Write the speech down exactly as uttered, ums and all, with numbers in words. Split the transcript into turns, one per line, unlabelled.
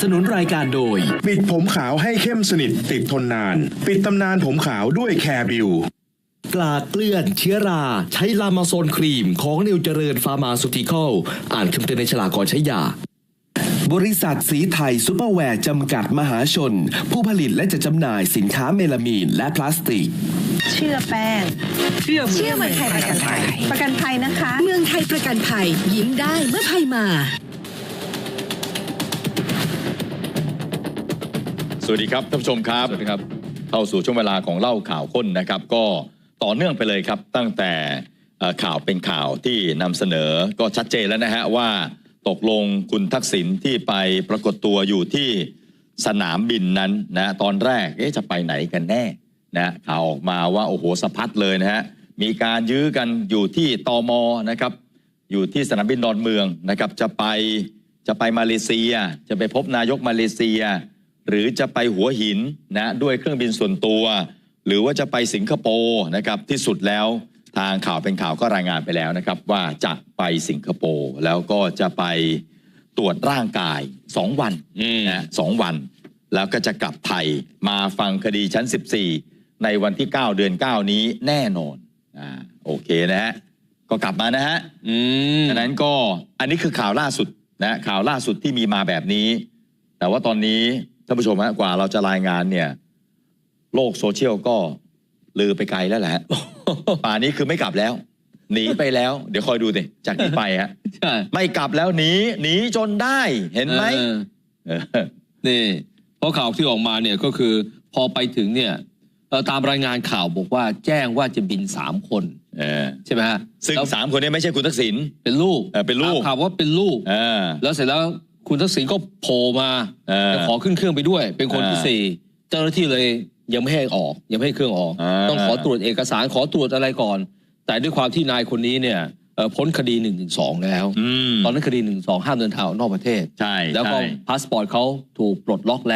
สนุนรายการโดย
ปิดผมขาวให้เข้มสนิทติดทนนานปิดตำนานผมขาวด้วยแคร์บิว
กลาดเกลื่อนเชื้อราใช้ลามาโซนครีมของนิวเจริญฟาร์มาซูติคอลอ่านคำเตือนในฉลากก่อนใช้ยาบริษัทสีไทยซุปเปอร์แวร์จำกัดมหาชนผู้ผลิตและจัดจำหน่ายสินค้าเมลามีนและพลาสติก
เชื่อแป้งเชื่อเชื่อเมืองไทยประกันภัยประกันภัยนะคะ
เมืองไทยประกันภัยยิ้มได้เมื่อภัยมา
สวัสดีครับท่านผู้ชมครับสวัสดีครับเข้าสู่ช่วงเวลาของเล่าข่าวข้นนะครับก็ต่อเนื่องไปเลยครับตั้งแต่ข่าวเป็นข่าวที่นำเสนอก็ชัดเจนแล้วนะฮะว่าตกลงคุณทักษิณที่ไปปรากฏตัวอยู่ที่สนามบินนั้นนะตอนแรกเอ๊ะจะไปไหนกันแน่นะข่าวออกมาว่าโอ้โหสะพัดเลยนะฮะมีการยื้อกันอยู่ที่ตม.นะครับอยู่ที่สนามบินดอนเมืองนะครับจะไปจะไปมาเลเซียจะไปพบนายกมาเลเซียหรือจะไปหัวหินนะด้วยเครื่องบินส่วนตัวหรือว่าจะไปสิงคโปร์นะครับที่สุดแล้วทางข่าวเป็นข่าวก็รายงานไปแล้วนะครับว่าจะไปสิงคโปร์แล้วก็จะไปตรวจร่างกายสองวันนะสองวันแล้วก็จะกลับไทยมาฟังคดีชั้นสิบสี่ในวันที่เก้าเดือนเก้านี้แน่นอนอ่าโอเคนะฮะก็กลับมานะฮะอืมฉะนั้นก็อันนี้คือข่าวล่าสุดนะข่าวล่าสุดที่มีมาแบบนี้แต่ว่าตอนนี้ท่านผู้ชมฮะกว่าเราจะรายงานเนี่ยโลกโซเชียลก็ลือไปไกลแล้วแหละป่านนี้คือไม่กลับแล้วหนีไปแล้วเดี๋ยวคอยดูสิจากนี้ไปฮะไม่กลับแล้วหนีหนีจนได้เห็นไหม
นี่เพราะข่าวที่ออกมาเนี่ยก็คือพอไปถึงเนี่ยตามรายงานข่าวบอกว่าแจ้งว่าจะบินสามคนใช่ไหมฮะ
ซึ่งสามคนนี้ไม่ใช่คุณทักษิณ
เป็นลูก
เป็นลูก
ข่าวว่าเป็นลูกแล้วเสร็จแล้วคุณทักษิณก็โผล่มาจะขอขึ้นเครื่องไปด้วยเป็นคนที่สี่เจ้าหน้าที่เลยยังไม่ให้ออกยังไม่ให้เครื่องออกต้องขอตรวจเอกสารขอตรวจอะไรก่อนแต่ด้วยความที่นายคนนี้เนี่ยพ้นคดีหนึ่งถึงสองแล้วตอนนั้นคดีหนึ่งสองห้ามเดินทางออกนอกประเทศ
ใช่
แล้วก็พาสปอร์ตเขาถูกปลดล็อกแล้ว